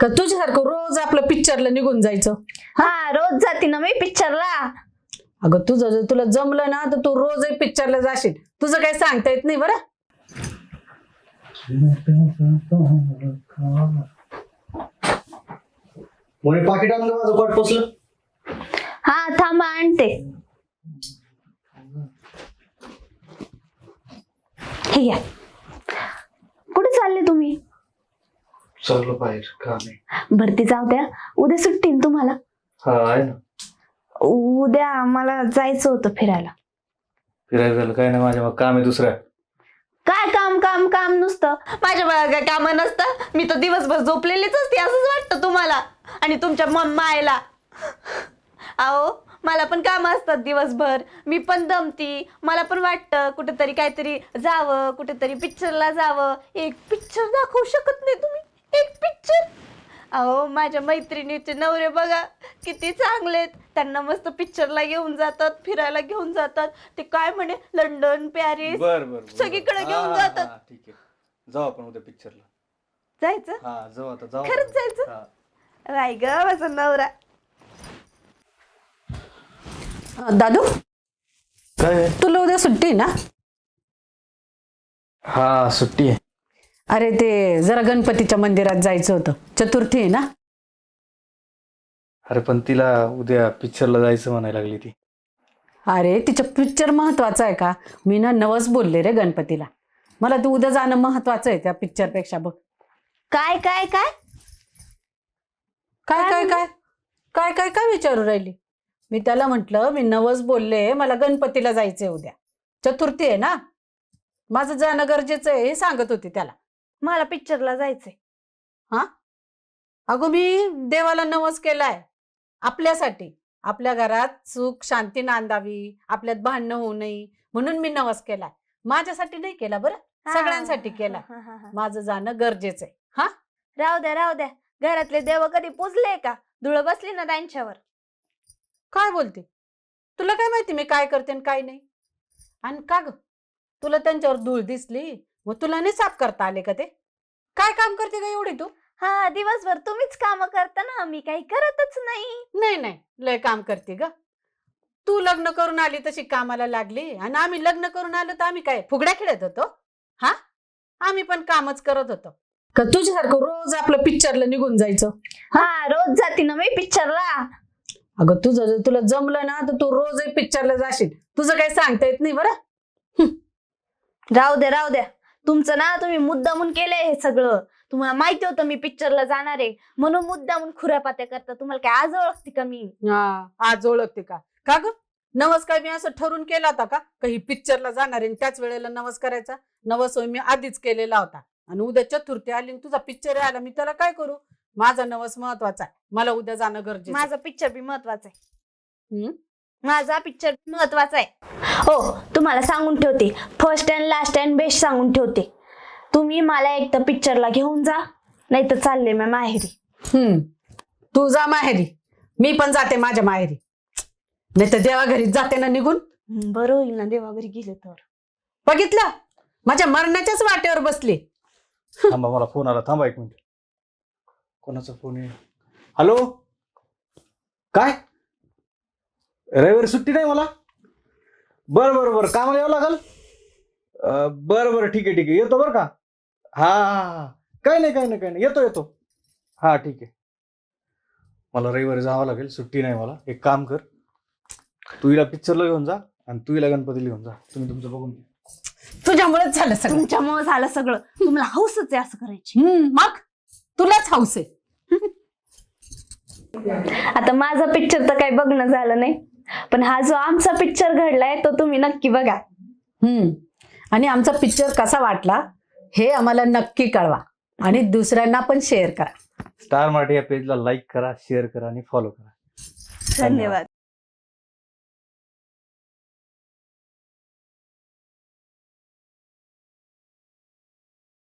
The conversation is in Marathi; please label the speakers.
Speaker 1: का तुझ्यासारखं रोज आपलं पिक्चरला निघून जायचं?
Speaker 2: हा रोज जाते ना मी पिक्चरला.
Speaker 1: अगं तुझं जर तुला जमलं ना तर तू रोजही पिक्चरला जाशील. तुझं काही सांगता येत नाही बरं.
Speaker 3: मोरे पाकिट आणलं माझं पाठ पोचलं.
Speaker 2: हा थांबा आणते. हे घ्या. कुठे चालले तुम्ही?
Speaker 3: चाललो बाहेर काम आहे.
Speaker 2: भरती जाऊ द्या, उद्या सुट्टी ना तुम्हाला?
Speaker 3: हा आहे ना.
Speaker 2: उद्या मला जायचं होतं फिरायला.
Speaker 3: फिरायला झालं काय नाही, माझ्या मग काम आहे दुसऱ्या.
Speaker 2: काय काम काम काम नुसतं? माझ्या बाळा काय काम नसतं? मी तर दिवसभर झोपलेलीच असते असंच वाटतं तुम्हाला आणि तुमच्या मायला. अहो मला पण काम असतात दिवसभर, मी पण दमती. मला पण वाटतं कुठेतरी काहीतरी जावं, कुठेतरी पिक्चरला जावं. एक पिक्चर दाखवू शकत नाही तुम्ही? एक पिक्चर? अहो माझ्या मैत्रिणीचे नवरे बघा किती चांगलेत, त्यांना मस्त पिक्चरला घेऊन जातात, फिरायला घेऊन जातात. ते काय म्हणे लंडन पॅरिस सगळीकडे घेऊन जातात.
Speaker 3: ठीक आहे, जाऊ आपण उद्या पिक्चरला.
Speaker 2: जायचं?
Speaker 3: हा जाऊ आता, जाऊ.
Speaker 2: खरंच जायचं? राय ग माझा नवरा.
Speaker 1: दादू
Speaker 3: काय?
Speaker 1: तुला उद्या सुट्टी आहे ना?
Speaker 3: हा सुट्टी आहे.
Speaker 1: अरे ते जरा गणपतीच्या मंदिरात जायचं होतं, चतुर्थी आहे ना.
Speaker 3: अरे पण तिला उद्या पिक्चरला जायचं म्हणायला लागली ती.
Speaker 1: अरे तिचं पिक्चर महत्वाचं आहे का? मी ना नवस बोलले रे गणपतीला, मला तू उद्या जाणं महत्वाचं आहे त्या पिक्चर पेक्षा. बघ
Speaker 2: काय काय काय
Speaker 1: काय काय काय काय काय काय विचारू राहिली? मी त्याला म्हंटल मी नवस बोलले, मला गणपतीला जायचंय उद्या, चतुर्थी आहे ना, माझं जाणं गरजेचं आहे हे सांगत होती त्याला.
Speaker 2: मला पिक्चरला जायचंय.
Speaker 1: हा अगो मी देवाला नवस केलाय आपल्यासाठी, आपल्या घरात सुख शांती नांदावी, आपल्यात भांडणं होऊ नये म्हणून मी नवस केलाय. माझ्यासाठी नाही केला बरं, सगळ्यांसाठी केला. माझं जाणं गरजेचं आहे. हा
Speaker 2: राहू द्या राहू द्या. घरातले देव कधी पुजले का? धुळ बसली ना त्यांच्यावर.
Speaker 1: काय बोलते? तुला काय माहिती मी काय करते आणि काय नाही? आणि का ग तुला त्यांच्यावर धूळ दिसली मग तुला नाही साफ करता आले का? ते काय काम करते का एवढी तू?
Speaker 2: हा दिवसभर तुम्हीच काम करता ना, मी काही करतच नाही.
Speaker 1: नाही नाही लय काम करते ग तू. लग्न करून आली तशी कामाला लागली, आणि आम्ही लग्न करून आलो तर आम्ही काय फुगड्या खेळत होतो? हा आम्ही पण कामच करत होतो का तुझ्यासारखं रोज आपलं पिक्चरला निघून जायचं?
Speaker 2: हा रोज जाते ना मी पिक्चरला.
Speaker 1: अगं तुझं जर तुला जमलं ना तर तू रोजही पिक्चरला जाशील. तुझं काही सांगता येत नाही बरं.
Speaker 2: राहू द्या राहू द्या. तुमचं ना तुम्ही मुद्दामून केलंय हे सगळं. तुम्हाला माहिती होतं मी पिक्चरला जाणार आहे म्हणून मुद्दामून खुऱ्यापात्या करता. तुम्हाला काय आज ओळखते का मी?
Speaker 1: हा आज ओळखते का? का ग नवस काय मी असं ठरून केला होता का काही पिक्चरला जाणार आहे त्याच वेळेला नवस करायचा? नवस होय मी आधीच केलेला होता, आणि उद्या चतुर्थी आली आणि तुझा पिक्चर आला, मी त्याला काय करू? माझा नवस महत्वाचा आहे, मला उद्या जाणं गरजेचं.
Speaker 2: माझा पिक्चर बी महत्वाचा आहे. माझा पिक्चर महत्वाचा आहे. हो तुम्हाला सांगून ठेवते, first and last and best सांगून ठेवते. तुम्ही मला एक तर पिक्चरला घेऊन जा, नाही तर चालले मी माहेरी.
Speaker 1: तू जा माहेरी, मी पण जाते माझ्या माहेरी, नाही तर देवा घरी जाते ना निघून.
Speaker 2: बरं होईल ना देवा घरी गेले तर.
Speaker 1: बघितलं माझ्या मरणाच्याच वाटेवर बसली.
Speaker 3: थांबा मला फोन आला, थांबा एक मिनिट. कोणाचा फोन आहे? हॅलो काय? रविवारी सुट्टी नाही मला? बरं बरं बरं कामाला यावं लागल. बरं बरं ठीक आहे ठीक आहे येतो बरं का. हा हा काही नाही काही नाही काही नाही येतो येतो. हा ठीक आहे. मला रविवारी जावं लागेल, सुट्टी नाही मला. एक काम कर, तू हिला पिक्चरला घेऊन जा आणि तू हिला गणपतीला घेऊन जा. तुम्ही तुमचं बघून घ्या.
Speaker 1: तुझ्यामुळेच झालं सगळं.
Speaker 2: तुमच्यामुळे झालं सगळं. तुम्हाला हौसच आहे असं करायची.
Speaker 1: मग तुलाच हौस आहे.
Speaker 2: आता माझा पिक्चर तर काही बघणं झालं नाही, पण हा जो आमचा पिक्चर घडलाय तो तुम्ही नक्की बघा.
Speaker 1: आणि आमचा पिक्चर कसा वाटला हे आम्हाला नक्की कळवा, आणि दुसऱ्यांना पण शेअर करा.
Speaker 3: स्टार मराठी या पेजला लाईक करा, शेअर करा आणि फॉलो करा.
Speaker 2: धन्यवाद.